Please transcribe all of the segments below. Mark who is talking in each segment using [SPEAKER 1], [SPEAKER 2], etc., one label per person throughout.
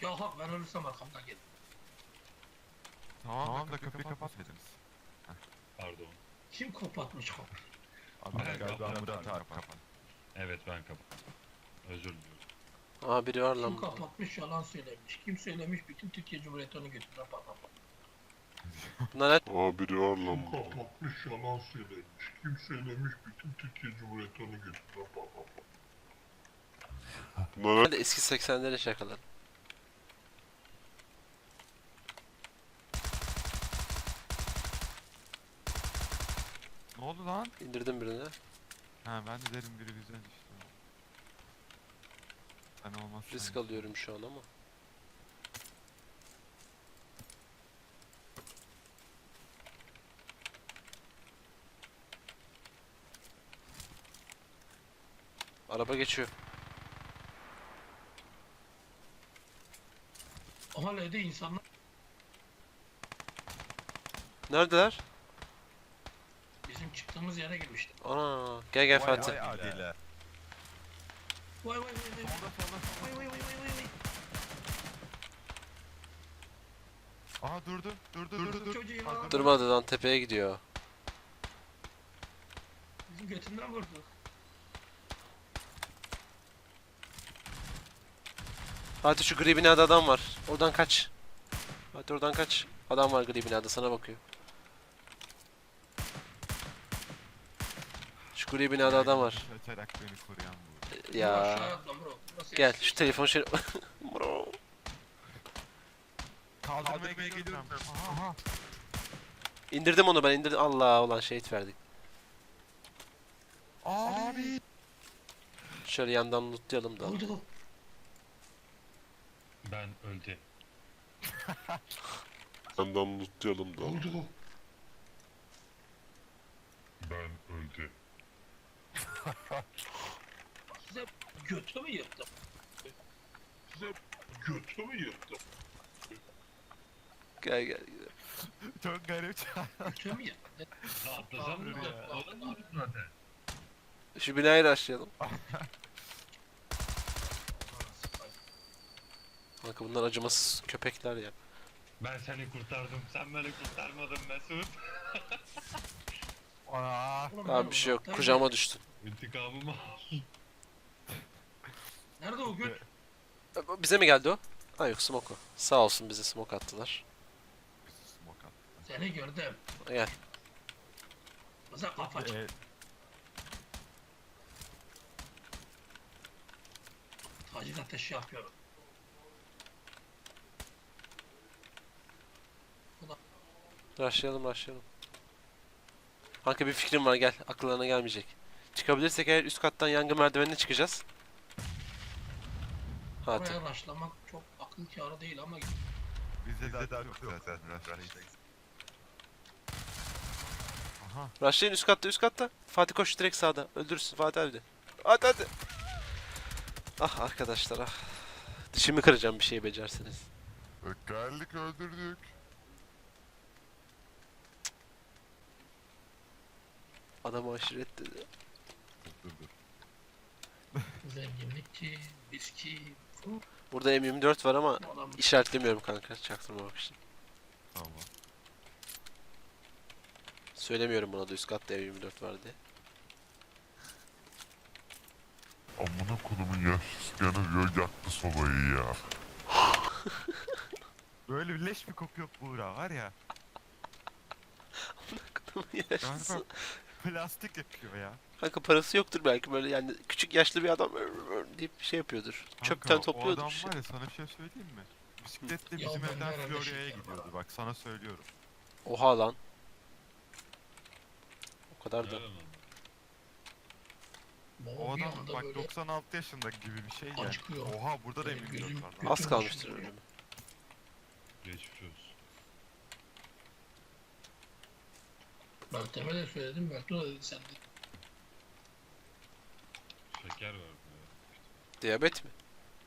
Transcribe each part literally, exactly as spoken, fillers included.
[SPEAKER 1] Ya hak ben ölürsem arkamdan gelin.
[SPEAKER 2] Tamam, tamam da kapıyı kapatmadınız.
[SPEAKER 3] Pardon.
[SPEAKER 1] Kim kapatmış kapıyı?
[SPEAKER 2] Abi
[SPEAKER 3] Ben
[SPEAKER 2] galiba
[SPEAKER 3] kapattım.
[SPEAKER 2] Murat abi kapat.
[SPEAKER 3] Evet ben kapattım. Özür diliyorum.
[SPEAKER 4] Aa biri var
[SPEAKER 1] Kim
[SPEAKER 4] lan burada.
[SPEAKER 1] kapatmış yalan söylemiş. Kim söylemiş bütün Türkiye Cumhuriyeti onu götüren patlamış.
[SPEAKER 4] Bunlar ne?
[SPEAKER 5] Aa biri var lan
[SPEAKER 6] Kim
[SPEAKER 5] burada.
[SPEAKER 6] kapatmış yalan söylemiş. Kim söylemiş bütün Türkiye Cumhuriyeti onu götürüyor.
[SPEAKER 5] Bunlar
[SPEAKER 4] Hadi eski seksenlerin şakaları.
[SPEAKER 2] Ne oldu lan?
[SPEAKER 4] İndirdim birini.
[SPEAKER 2] Ha ben de derim biri bizden düştü. Sen olmazsan.
[SPEAKER 4] Risk alıyorum şu an ama. Araba geçiyor.
[SPEAKER 1] Ama L'de insanlar
[SPEAKER 4] Neredeler?
[SPEAKER 1] bizim çıktığımız yere girmişti.
[SPEAKER 4] Ana gel gel Fatih.
[SPEAKER 2] Vay adile.
[SPEAKER 1] Vay vay vay vay.
[SPEAKER 2] Solda solda
[SPEAKER 1] Vay
[SPEAKER 2] solda.
[SPEAKER 1] vay vay vay vay.
[SPEAKER 2] Aha durdu. Durdu
[SPEAKER 1] Durdu
[SPEAKER 2] durdu.
[SPEAKER 1] çocuğu ya.
[SPEAKER 2] Pardon.
[SPEAKER 4] Durmadı lan tepeye gidiyor.
[SPEAKER 1] Bizim götünden vurdu.
[SPEAKER 4] Fatih şu gri binada adam var. Oradan kaç. Fatih oradan kaç. Adam var gri binada sana bakıyor. Şu gri binada adam var.
[SPEAKER 2] Kaçarak beni koruyan bu.
[SPEAKER 4] Ya.
[SPEAKER 1] Aşağıya atla bro. Burası
[SPEAKER 4] Gel
[SPEAKER 1] yersiz.
[SPEAKER 4] şu telefonu şöyle. Bro.
[SPEAKER 2] Kaldırmaya geliyorum. Aha aha.
[SPEAKER 4] İndirdim onu ben indirdim. Allah ulan şehit verdik.
[SPEAKER 2] Abi.
[SPEAKER 4] Şöyle yandan lootlayalım da.
[SPEAKER 1] Oldu.
[SPEAKER 3] Ben öldü.
[SPEAKER 5] yandan lootlayalım da.
[SPEAKER 1] Oldu.
[SPEAKER 3] Ben öldü.
[SPEAKER 1] Size götü mü yırttım? Size götü mü yırttım?
[SPEAKER 4] Gel gel.
[SPEAKER 2] Çok garip.
[SPEAKER 1] Götü mü yırttım?
[SPEAKER 3] Atlasam mı ya? Oğlum zaten.
[SPEAKER 4] Şu binayı rushlayalım. Kanka bunlar acımasız köpekler ya.
[SPEAKER 3] Ben seni kurtardım. Sen beni kurtarmadın Mesut.
[SPEAKER 2] Aa.
[SPEAKER 1] Oğlum,
[SPEAKER 4] Abi
[SPEAKER 1] ben
[SPEAKER 4] bir şey yok.
[SPEAKER 1] uzaktaydım.
[SPEAKER 4] Kucağıma düştün.
[SPEAKER 3] İntikamımı al.
[SPEAKER 1] Nerede o göt?
[SPEAKER 4] Bize mi geldi o? Ha yok smoke o. Sağ olsun bize smoke attılar.
[SPEAKER 2] Smoke attı.
[SPEAKER 1] Seni gördüm.
[SPEAKER 4] Gel.
[SPEAKER 1] Bize kafa çık.
[SPEAKER 2] Ee,
[SPEAKER 1] Taciz ateşi yapıyorum.
[SPEAKER 4] Rushlayalım rushlayalım. Kanka bir fikrim var gel. Akıllarına gelmeyecek. Çıkabilirsek eğer üst kattan yangın merdivenine çıkacağız. Hadi.
[SPEAKER 1] Oraya başlamak çok akıl kârı değil ama
[SPEAKER 2] bizde de daha yok zaten. Rush'tayız. Aha.
[SPEAKER 4] Rushlayın üst katta üst katta. Fatih koş direkt sağda. Öldürürsün Fatih abi de. Hadi hadi. Ah arkadaşlar ah. Dişimi kıracağım bir şey becerseniz.
[SPEAKER 5] Geldik öldürdük.
[SPEAKER 4] Adam aşiret dedi.
[SPEAKER 2] Dur dur.
[SPEAKER 1] zenginlikçi, viski, fu,
[SPEAKER 4] Burada M yirmi dört var ama
[SPEAKER 1] bu adam
[SPEAKER 4] işaretlemiyorum kanka çaktırmamak için.
[SPEAKER 2] Tamam.
[SPEAKER 4] Söylemiyorum buna da üst katta M yirmi dört var diye.
[SPEAKER 5] Amına kodumun yaşlısı gene diyor yaktı sobayı ya.
[SPEAKER 2] Böyle bir leş bir koku yok Buğra var ya.
[SPEAKER 4] Yaşlısı.
[SPEAKER 2] Galiba plastik yakıyor ya.
[SPEAKER 4] Kanka parası yoktur belki böyle yani küçük yaşlı bir adam deyip bir şey yapıyordur. Çöpten
[SPEAKER 2] Kanka,
[SPEAKER 4] topluyordur
[SPEAKER 2] o adam
[SPEAKER 4] bir şey.
[SPEAKER 2] var ya sana bir şey söyleyeyim mi? Bisikletle
[SPEAKER 1] Ya
[SPEAKER 2] bizim
[SPEAKER 1] ben
[SPEAKER 2] evden
[SPEAKER 1] herhalde
[SPEAKER 2] Florya'ya
[SPEAKER 1] şey
[SPEAKER 2] gidiyordu
[SPEAKER 1] yaparım.
[SPEAKER 2] bak sana söylüyorum.
[SPEAKER 4] Oha lan. O kadar da.
[SPEAKER 3] Öyle mi?
[SPEAKER 2] O
[SPEAKER 1] bir
[SPEAKER 2] adam
[SPEAKER 1] anda
[SPEAKER 2] bak
[SPEAKER 1] böyle
[SPEAKER 2] doksan altı yaşında gibi bir şey yani.
[SPEAKER 1] acıkıyor.
[SPEAKER 2] Oha burada da
[SPEAKER 1] Benim
[SPEAKER 2] emin
[SPEAKER 1] gözüm-
[SPEAKER 2] yok var.
[SPEAKER 1] gözüm-
[SPEAKER 4] Az kalmıştır ölümü.
[SPEAKER 3] Geçmiş olsun.
[SPEAKER 1] Meltem'e de söyledim, Meltem de dedi sen de.
[SPEAKER 3] Şeker verdi.
[SPEAKER 4] Diyabet mi?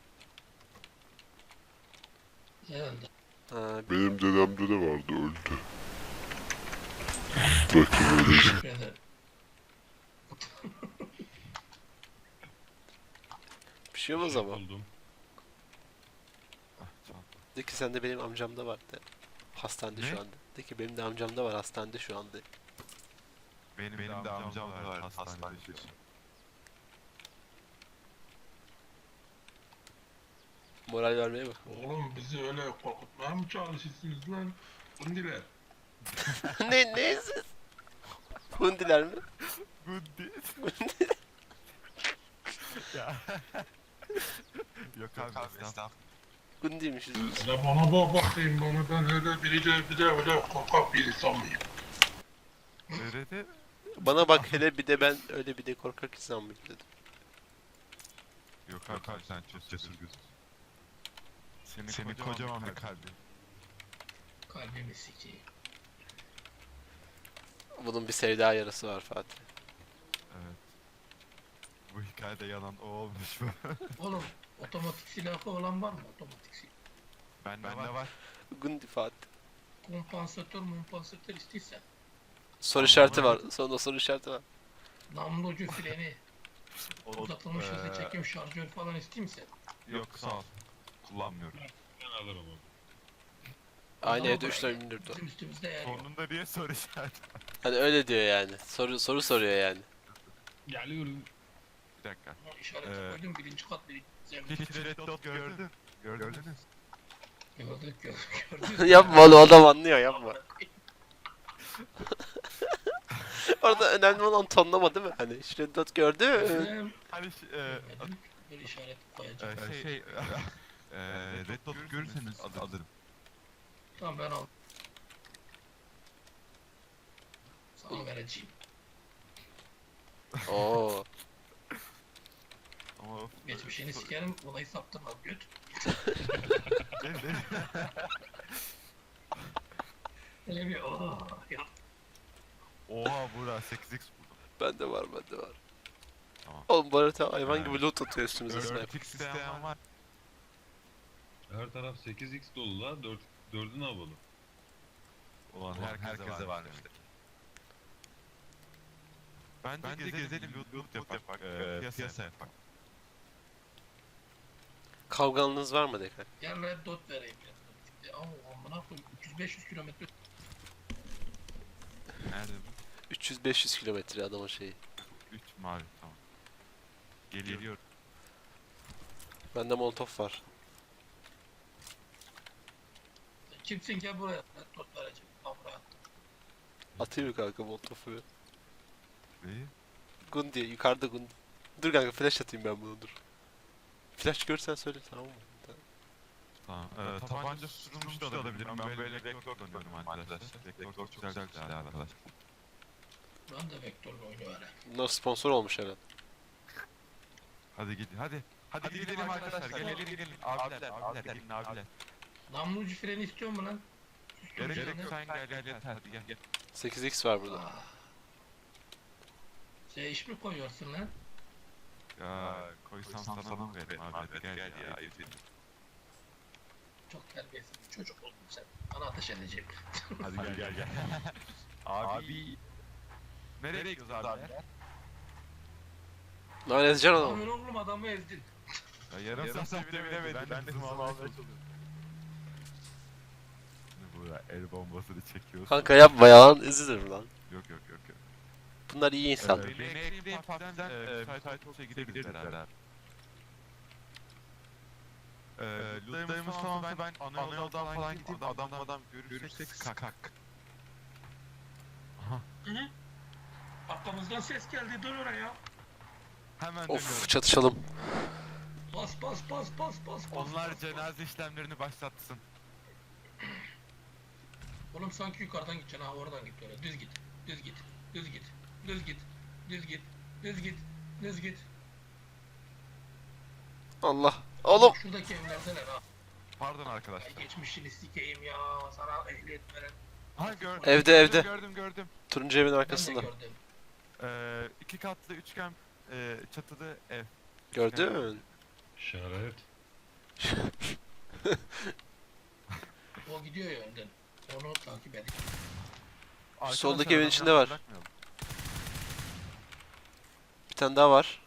[SPEAKER 1] Herhalde.
[SPEAKER 4] Ha,
[SPEAKER 5] Benim dedemde de vardı öldü. Bakın öyle.
[SPEAKER 1] Teşekkür ederim.
[SPEAKER 4] bir şey olmaz
[SPEAKER 3] Şey
[SPEAKER 4] ama.
[SPEAKER 3] buldum.
[SPEAKER 2] Ah, çal.
[SPEAKER 4] De ki sen de benim amcamda var de. Hastanede
[SPEAKER 2] Ne?
[SPEAKER 4] şu anda. De ki benim de amcamda var hastanede şu anda.
[SPEAKER 2] Benim, Benim de amcam var hastanede.
[SPEAKER 4] Moral vermeye bak.
[SPEAKER 6] Oğlum bizi öyle korkutmaya mı çalışıyorsunuz lan? Bundiler.
[SPEAKER 4] ne ne siz? Hundiler mi?
[SPEAKER 2] Gundi. Ya. Yok abi estağfurullah.
[SPEAKER 4] Gundiymişiz.
[SPEAKER 6] Hele bana bak bakayım bana ben öyle biri de bir de öyle korkak bir insan mıyım?
[SPEAKER 2] Nerede?
[SPEAKER 4] Bana bak hele bir de ben öyle bir de korkak insan mıyım dedim.
[SPEAKER 2] Yok abi sen çok cesur gözüksün. Senin, Senin kocaman bir kalbin.
[SPEAKER 1] Kalbimi sikeyim.
[SPEAKER 4] Bunun bir sevda yarası var Fatih.
[SPEAKER 2] Evet. Bu hikayede yanan o olmuş mu?
[SPEAKER 1] Oğlum otomatik silahı olan var mı? Otomatik silah.
[SPEAKER 2] Ben Bende var.
[SPEAKER 4] Gundi Fatih.
[SPEAKER 1] Kompansatör mumpansatör istiysen.
[SPEAKER 4] Soru işareti var. Sonunda soru işareti var.
[SPEAKER 1] Namlu ucu freni.
[SPEAKER 2] O,
[SPEAKER 1] Uzatılmış hızlı
[SPEAKER 2] eee,
[SPEAKER 1] çekim şarjör falan isteyeyim misin?
[SPEAKER 2] Yok sağ ol. Kullanmıyorum.
[SPEAKER 3] Ben alırım onu.
[SPEAKER 4] Aynı
[SPEAKER 1] Ama
[SPEAKER 4] evde üç tane indirdi.
[SPEAKER 1] Bizim üstümüzde yer yok.
[SPEAKER 2] Sonunda niye soru işareti?
[SPEAKER 4] Hani öyle diyor yani. Soru soru soruyor yani.
[SPEAKER 3] Geliyorum.
[SPEAKER 2] Bir dakika.
[SPEAKER 1] Ama İşareti
[SPEAKER 2] Ee,
[SPEAKER 1] koydum birinci kat birinci zemin.
[SPEAKER 2] Hiç Red Dot gördün. Gördünüz.
[SPEAKER 1] Gördük gördük gördük.
[SPEAKER 4] yapma oğlum adam anlıyor yapma. Orada önemli olan tonlama değil mi? Hani Shreddot gördü.
[SPEAKER 1] Gördüm.
[SPEAKER 2] Hani ş- e,
[SPEAKER 1] Görmedim. Bir işaret koyacağım.
[SPEAKER 2] e, şey, e, Red Dot görürseniz alırım.
[SPEAKER 1] Tamam ben al. Sana vereceğim.
[SPEAKER 4] Oo.
[SPEAKER 2] Ama of.
[SPEAKER 1] Geçmişini sikerim olayı saptırmam göt.
[SPEAKER 2] Ne- ne-
[SPEAKER 1] Öyle bir ooo ya.
[SPEAKER 2] Oha bura sekiz x buldum.
[SPEAKER 4] Bende var bende var.
[SPEAKER 2] Tamam.
[SPEAKER 4] Oğlum bu harita hayvan
[SPEAKER 2] Ha.
[SPEAKER 4] gibi loot atıyor üstümüze sniper.
[SPEAKER 2] dört x isteyen var.
[SPEAKER 3] Her taraf sekiz x dolu la. dört dördü ne yapalım?
[SPEAKER 2] Ulan herkese, herkese var işte. Bence, Bence gezelim, gezelim loot, loot yapak, yapak e, piyasa yapak.
[SPEAKER 4] Kavganınız var mı Dekan?
[SPEAKER 1] Gel red dot vereyim ya. Ama amına koyayım üç yüz beş yüz kilometre.
[SPEAKER 2] Nerede bu?
[SPEAKER 4] üç yüz beş yüz kilometre adamın şeyi.
[SPEAKER 2] üç mavi tamam. Geliyor.
[SPEAKER 4] Bende molotof var.
[SPEAKER 1] Kimsin gel buraya red dot vereceğim. Al buraya.
[SPEAKER 4] Atayım mı kanka molotofu?
[SPEAKER 2] Neyi?
[SPEAKER 4] Gundi yukarıda Gundi. Dur kanka flash atayım ben bunu dur. Flash görsen söyle tamam mı?
[SPEAKER 2] Tamam. Ee, tabanca susturulmuş da alabilirim. Ben böyle vektör kullanıyorum arkadaşlar. Vektör çok güzel bir silah arkadaşlar.
[SPEAKER 1] Ben de vektörlü oyunu öğrendim.
[SPEAKER 4] Bunlar sponsor olmuş herhalde.
[SPEAKER 2] Hadi gidin hadi. Hadi, hadi gidelim arkadaşlar. Gelin gelin gelin. Abiler abiler gelin abiler.
[SPEAKER 1] Namlu ucu freni istiyor mu lan?
[SPEAKER 2] Gerek yok sen gel gel yeter hadi gel.
[SPEAKER 4] sekiz x var burada.
[SPEAKER 1] Ah. Şey iş mi koyuyorsun lan?
[SPEAKER 2] Ya koysam sana mı vereyim abi hadi gel ya. Ayıp değil.
[SPEAKER 1] Çok terbiyesiz bir çocuk oldun sen. Bana ateş edeceğim.
[SPEAKER 2] Hadi gel gel gel. Abi. Nereye gidiyoruz abi?
[SPEAKER 4] Lan ezeceksin adamı.
[SPEAKER 1] Amin oğlum adamı ezdin.
[SPEAKER 2] Ya yarım, yarım saat bile bilemedi. Ben, ben de hızımı almaya çalışıyorum. Ne bu ya el bombasını çekiyorsun.
[SPEAKER 4] Kanka yapma yalan üzülür lan.
[SPEAKER 2] Yok yok yok yok.
[SPEAKER 4] Bunlar iyi insan.
[SPEAKER 2] Ee, beni ekleyin partiden e, müsait olursa gideriz beraber. Ee, lootlarımız tamamsa ben ana yoldan falan gideyim adam adam görürsek skak. Aha.
[SPEAKER 1] Arkamızdan ses geldi dur oraya.
[SPEAKER 2] Hemen dönüyorum.
[SPEAKER 4] Of çatışalım.
[SPEAKER 1] Bas bas bas bas bas bas.
[SPEAKER 2] Onlar
[SPEAKER 1] bas, bas.
[SPEAKER 2] cenaze işlemlerini başlatsın.
[SPEAKER 1] Oğlum sanki yukarıdan gideceksin ha oradan git öyle. Düz git. Düz git. Düz git. Düz git. Düz git. Düz git. Düz git.
[SPEAKER 4] Allah. Oğlum.
[SPEAKER 1] Şuradaki evlerdeler ha.
[SPEAKER 2] Pardon
[SPEAKER 1] Ay
[SPEAKER 2] arkadaşlar.
[SPEAKER 1] geçmişini sikeyim ya. Sana ehliyet veren.
[SPEAKER 2] Ha gördüm.
[SPEAKER 4] Evde, evde.
[SPEAKER 2] Gördüm gördüm.
[SPEAKER 4] Turuncu evin
[SPEAKER 1] Ben de
[SPEAKER 4] arkasında.
[SPEAKER 1] gördüm.
[SPEAKER 2] Ee, iki katlı üçgen e, çatılı ev.
[SPEAKER 4] Gördün.
[SPEAKER 3] İşaret.
[SPEAKER 1] O gidiyor ya önden. Onu takip edin.
[SPEAKER 2] Arkadaşlar,
[SPEAKER 4] Soldaki evin
[SPEAKER 2] adamı
[SPEAKER 4] içinde
[SPEAKER 2] yalnız
[SPEAKER 4] var.
[SPEAKER 2] bırakmayalım.
[SPEAKER 4] Bir tane daha var.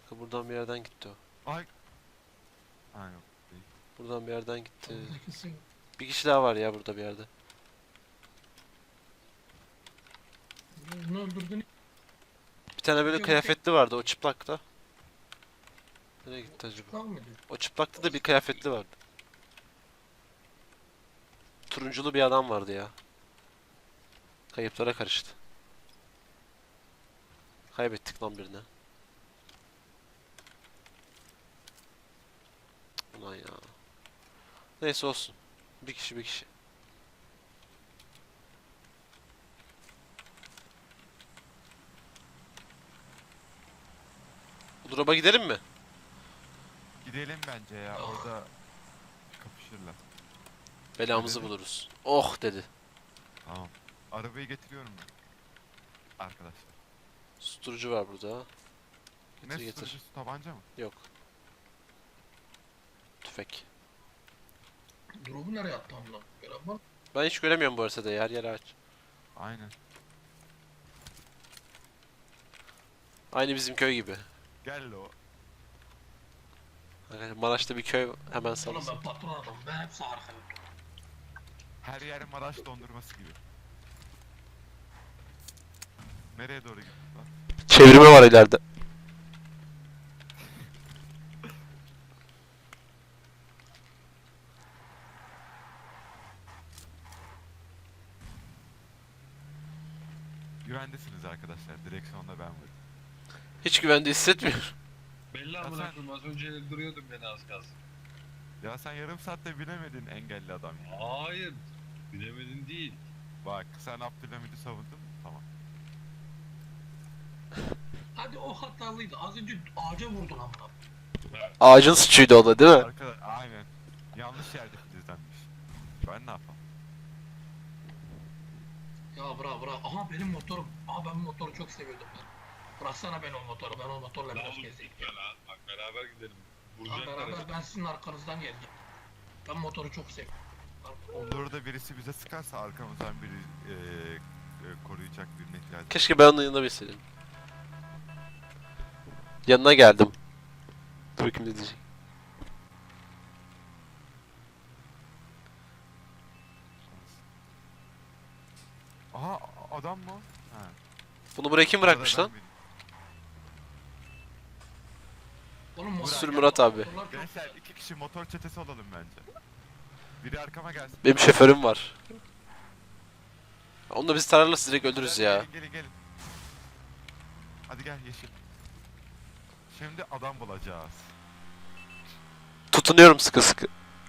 [SPEAKER 4] Kanka buradan bir yerden gitti o.
[SPEAKER 2] Ay. Ha yok. Değil.
[SPEAKER 4] Buradan bir yerden gitti.
[SPEAKER 1] Orada kesin.
[SPEAKER 4] Bir kişi daha var ya burada bir yerde.
[SPEAKER 1] Bunu öldürdün.
[SPEAKER 4] Bir tane böyle
[SPEAKER 1] Yok,
[SPEAKER 4] kıyafetli vardı o çıplakta. Nereye gitti acaba?
[SPEAKER 1] Kal mıydı?
[SPEAKER 4] O çıplakta da bir kıyafetli vardı. Turunculu bir adam vardı ya. Kayıplara karıştı. Kaybettik lan birini. Ulan ya. Neyse olsun. Bir kişi bir kişi. Bu drop'a gidelim mi?
[SPEAKER 2] Gidelim bence ya. Orada kapışırlar.
[SPEAKER 4] Belamızı
[SPEAKER 2] Gidelim.
[SPEAKER 4] buluruz. Oh dedi.
[SPEAKER 2] Tamam. Arabayı getiriyorum ben. Arkadaşlar.
[SPEAKER 4] Susturucu var burada.
[SPEAKER 2] Ne
[SPEAKER 4] Getir getir.
[SPEAKER 2] susturucusu, tabanca mı?
[SPEAKER 4] Yok. Tüfek.
[SPEAKER 1] Drop'u nereye attı amına? Gören var mı?
[SPEAKER 4] Ben hiç göremiyorum bu haritada yer yer ağaç.
[SPEAKER 2] Aynen.
[SPEAKER 4] Aynı bizim köy gibi.
[SPEAKER 2] Gel o.
[SPEAKER 4] Arkadaşlar Maraş'ta bir köy hemen
[SPEAKER 1] Oğlum
[SPEAKER 4] sağlısı.
[SPEAKER 1] ben patron adamım. Ben hepsi arkaya.
[SPEAKER 2] Her yer Maraş dondurması gibi. Nereye doğru gittik lan?
[SPEAKER 4] Çevirme var ileride.
[SPEAKER 2] Güvendesiniz arkadaşlar. Direksiyonda ben varım.
[SPEAKER 4] Hiç güvende hissetmiyorum.
[SPEAKER 3] Belli
[SPEAKER 2] Ya
[SPEAKER 3] amına
[SPEAKER 2] sen-
[SPEAKER 3] koyayım az önce duruyordum beni az kalsın.
[SPEAKER 2] Ya sen yarım saatte binemedin engelli adam ya.
[SPEAKER 3] Hayır. Bilemedin değil.
[SPEAKER 2] Bak sen Abdülhamid'i savundun mu? Tamam.
[SPEAKER 1] Hadi o hatalıydı. Az önce ağaca vurdun amına.
[SPEAKER 4] Ağacın suçuydu o da değil mi?
[SPEAKER 2] Arkadaş aynen. Yanlış yerde filizlenmiş. Ben ne yapalım?
[SPEAKER 1] Ya bırak bırak. Aha benim motorum. Aha ben bu motoru çok seviyordum ben. Bıraksana ben o motoru. Ben o motorla
[SPEAKER 3] Lan
[SPEAKER 1] biraz
[SPEAKER 3] oğlum,
[SPEAKER 1] gezeyim.
[SPEAKER 3] gel ha. Bak beraber gidelim.
[SPEAKER 1] Lan
[SPEAKER 3] Vuracaklar.
[SPEAKER 1] beraber ben sizin arkanızdan geleceğim. Ben motoru çok seviyorum.
[SPEAKER 2] Olur da birisi bize sıkarsa arkamızdan biri eee e, koruyacak birine ihtiyacımız var.
[SPEAKER 4] Keşke ben onun yanında bilseydim. Yanına geldim. Dur bakayım ne diyecek.
[SPEAKER 2] Aha adam mı? o? Ha.
[SPEAKER 4] Bunu buraya kim bırakmış
[SPEAKER 2] Arada
[SPEAKER 4] lan?
[SPEAKER 2] ben
[SPEAKER 1] Oğlum motor-
[SPEAKER 4] Sür Murat abi.
[SPEAKER 1] motorlar çok
[SPEAKER 2] benim. Gençler
[SPEAKER 1] güzel.
[SPEAKER 2] iki kişi motor çetesi olalım bence. Biri arkama gelsin.
[SPEAKER 4] Benim şoförüm var. Onu da biz tararlarsa direkt öldürürüz
[SPEAKER 2] Hadi
[SPEAKER 4] ya.
[SPEAKER 2] Gelin gelin gelin. Hadi gel Yeşil. Şimdi adam bulacağız.
[SPEAKER 4] Tutunuyorum sıkı sıkı.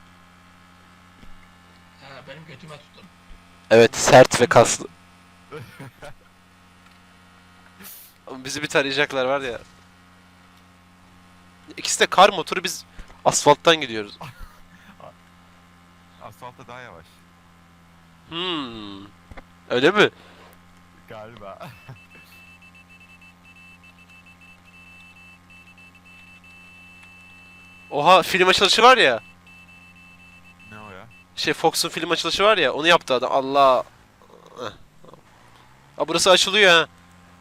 [SPEAKER 1] He benim götüme tutun.
[SPEAKER 4] Evet sert ve kaslı. Ama bizi bir tarayacaklar var ya. İkisi de kar motoru biz asfalttan gidiyoruz.
[SPEAKER 2] Asfaltta daha yavaş.
[SPEAKER 4] Hmm. Öyle mi?
[SPEAKER 2] Galiba.
[SPEAKER 4] Oha film açılışı var ya.
[SPEAKER 2] Ne o ya?
[SPEAKER 4] Şey Fox'un film açılışı var ya onu yaptı adam. Allah. Heh. Aa, burası açılıyor ha.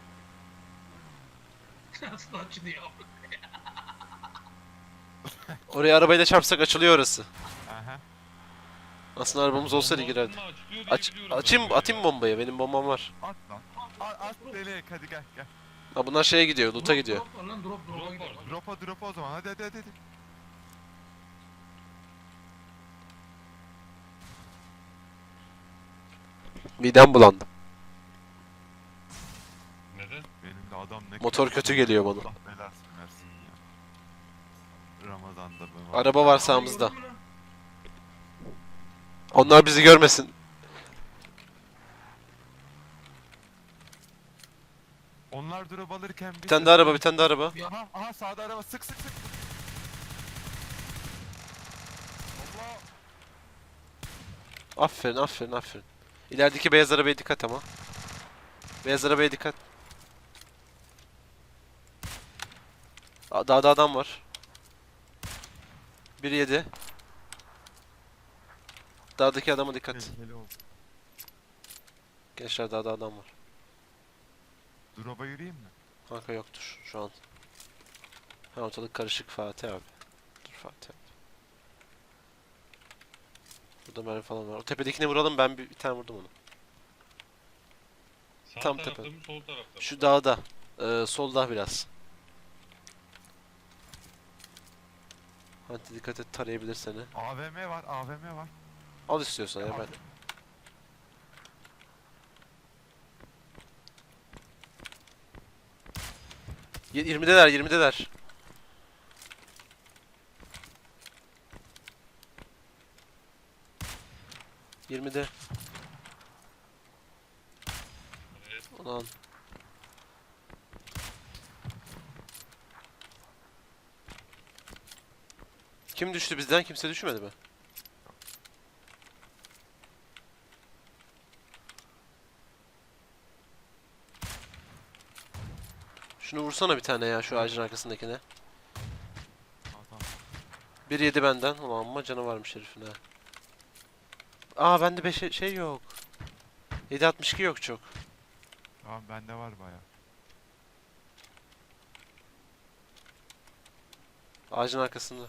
[SPEAKER 1] Nasıl açılıyor?
[SPEAKER 4] Oraya arabayla çarpsak açılıyor orası.
[SPEAKER 2] Aha.
[SPEAKER 4] Aslında arabamız olsaydı girerdi.
[SPEAKER 3] Bomba açılıyor diye
[SPEAKER 4] Aç,
[SPEAKER 3] biliyorum
[SPEAKER 4] açayım,
[SPEAKER 3] ben böyle
[SPEAKER 4] atayım bombayı. Benim bombam var.
[SPEAKER 2] At lan. At, at delik hadi gel gel.
[SPEAKER 4] Ha bunlar şeye gidiyor, loot'a
[SPEAKER 1] Drop,
[SPEAKER 4] gidiyor.
[SPEAKER 1] Drop var lan drop drop'a
[SPEAKER 3] Drop
[SPEAKER 1] gidelim.
[SPEAKER 3] var.
[SPEAKER 2] Drop'a drop'a o zaman hadi hadi hadi. hadi.
[SPEAKER 4] Midem bulandı.
[SPEAKER 3] Neden?
[SPEAKER 2] Benim de adam ne
[SPEAKER 4] Motor kötü geliyor bana.
[SPEAKER 2] Allah belasını versin ya. Ramazan'da bu.
[SPEAKER 4] Araba var sağımızda.
[SPEAKER 1] Gördün mü lan?
[SPEAKER 4] Onlar bizi görmesin.
[SPEAKER 2] Onlar drop alırken biz...
[SPEAKER 4] Bir tane daha araba, bir tane daha araba.
[SPEAKER 2] Aha aha sağda araba sık sık sık. Allah.
[SPEAKER 4] Aferin, aferin, aferin. İlerideki beyaz arabaya dikkat ama. Beyaz arabaya dikkat. Aa, Dağda adam var. Bir yedi. Dağdaki adama dikkat.
[SPEAKER 2] Tehlikeli oldu.
[SPEAKER 4] Gençler dağda adam var.
[SPEAKER 2] Drop'a yürüyeyim mi?
[SPEAKER 4] Kanka yoktur şu an. Ha, ortalık karışık Fatih abi. Dur Fatih abi. Burada mermi falan var. O tepedekine vuralım, ben bir, bir tane vurdum onu.
[SPEAKER 3] Sağ
[SPEAKER 4] Tam
[SPEAKER 3] tarafta
[SPEAKER 4] tepe.
[SPEAKER 3] mı sol tarafta mı?
[SPEAKER 4] Şu dağda. Ee, solda biraz. Hadi dikkat et, tarayabilir seni.
[SPEAKER 2] A V M var, A V M var.
[SPEAKER 4] Al istiyorsan ya ben. Y- yirmideler yirmideler. yirmide.
[SPEAKER 3] Evet.
[SPEAKER 4] Ulan. Kim düştü bizden? Kimse düşmedi mi? Şunu vursana bir tane ya, şu ağacın arkasındakine.
[SPEAKER 2] Adam.
[SPEAKER 4] Bir yedi benden. Ulan amma canı varmış herifin ha. Aa bende beş şey yok. yedi altmış iki yok çok.
[SPEAKER 2] Tamam bende var baya.
[SPEAKER 4] Ağacın arkasında.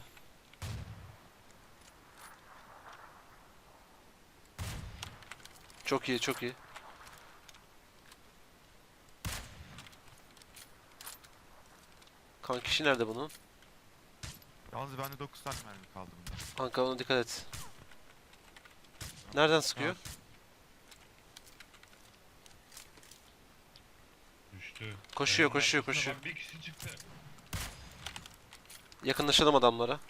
[SPEAKER 4] Çok iyi, çok iyi. Kan kişi nerede bunun?
[SPEAKER 2] Yalnız bende dokuz tane mermi kaldı bunda.
[SPEAKER 4] Kanka ona dikkat et. Nereden sıkıyor?
[SPEAKER 3] Düştü.
[SPEAKER 4] Koşuyor,
[SPEAKER 3] Kayanın
[SPEAKER 4] koşuyor,
[SPEAKER 3] arkasına
[SPEAKER 4] koşuyor.
[SPEAKER 3] bak, bir kişi çıktı.
[SPEAKER 4] Yakınlaşalım adamlara.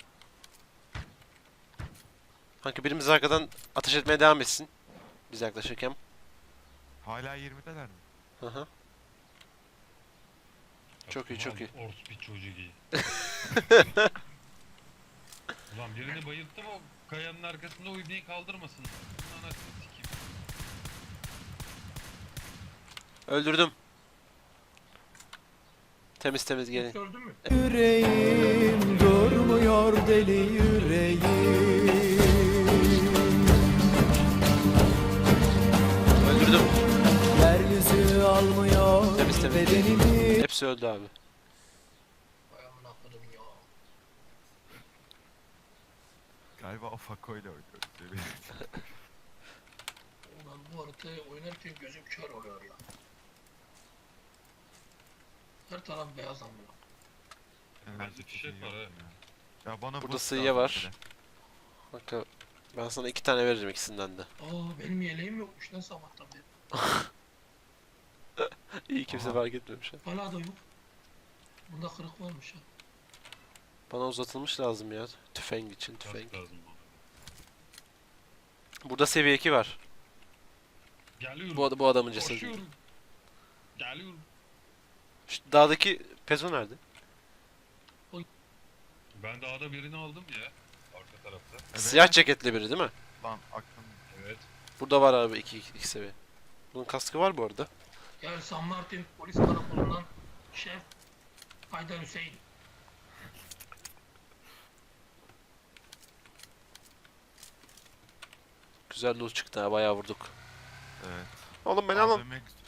[SPEAKER 4] Kanka birimiz arkadan ateş etmeye devam etsin. Biz yaklaşırken.
[SPEAKER 2] Hala yirmideler mi?
[SPEAKER 4] Hı hı. Çok iyi, çok iyi.
[SPEAKER 3] Ors bir çocuğu iyi. Ulan birini bayılttım, o kayanın arkasında o ibneyi kaldırmasın. Bunun anasını sikeyim.
[SPEAKER 4] Öldürdüm. Temiz temiz gelin.
[SPEAKER 1] Gördün mü?
[SPEAKER 7] Yüreğim durmuyor deli yüreğim.
[SPEAKER 4] Öldürdüm.
[SPEAKER 7] Yeryüzü almıyor
[SPEAKER 4] Temiz temiz.
[SPEAKER 7] bedenimi.
[SPEAKER 4] Hepsi öldü abi.
[SPEAKER 1] Vay amına koydum ya.
[SPEAKER 2] Galiba o Fako ile oynuyoruz.
[SPEAKER 1] Ulan bu haritayı oynarken gözüm kör oluyor ya. Her taraf beyaz amına.
[SPEAKER 2] Enerji
[SPEAKER 3] fişek
[SPEAKER 2] çok iyi
[SPEAKER 3] var
[SPEAKER 2] yok
[SPEAKER 3] ha.
[SPEAKER 2] ya. Ya bana
[SPEAKER 4] Burada
[SPEAKER 2] boost
[SPEAKER 4] sıyıya
[SPEAKER 2] lazım
[SPEAKER 4] var.
[SPEAKER 2] bir de.
[SPEAKER 4] Kanka ben sana iki tane veririm ikisinden de.
[SPEAKER 1] Aa benim yeleğim yokmuş lan sabahtan beri.
[SPEAKER 4] İyi kimse
[SPEAKER 2] Aha.
[SPEAKER 4] fark etmemiş ha.
[SPEAKER 1] Hala da yok. Bunda kırık varmış ha.
[SPEAKER 4] Bana uzatılmış lazım ya. Tüfeng için tüfeng.
[SPEAKER 3] Kask lazım bana.
[SPEAKER 4] Burada seviye iki var.
[SPEAKER 3] Geliyorum.
[SPEAKER 4] Bu, ad- bu adamın cesedi.
[SPEAKER 3] Koşuyorum. Geliyorum.
[SPEAKER 4] Şu dağdaki Pezo nerede?
[SPEAKER 3] Ben dağda birini aldım ya. Arka tarafta.
[SPEAKER 2] Evet.
[SPEAKER 4] Siyah ceketli biri değil mi?
[SPEAKER 2] Lan aklım.
[SPEAKER 3] Evet.
[SPEAKER 4] Burada var abi iki, iki, iki seviye. Bunun kaskı var bu arada.
[SPEAKER 1] Yani San Martin polis karakolundan Şef Haydar Hüseyin.
[SPEAKER 4] Güzel loot çıktı ha, bayağı vurduk.
[SPEAKER 2] Evet.
[SPEAKER 4] Oğlum ben alın.
[SPEAKER 2] A V M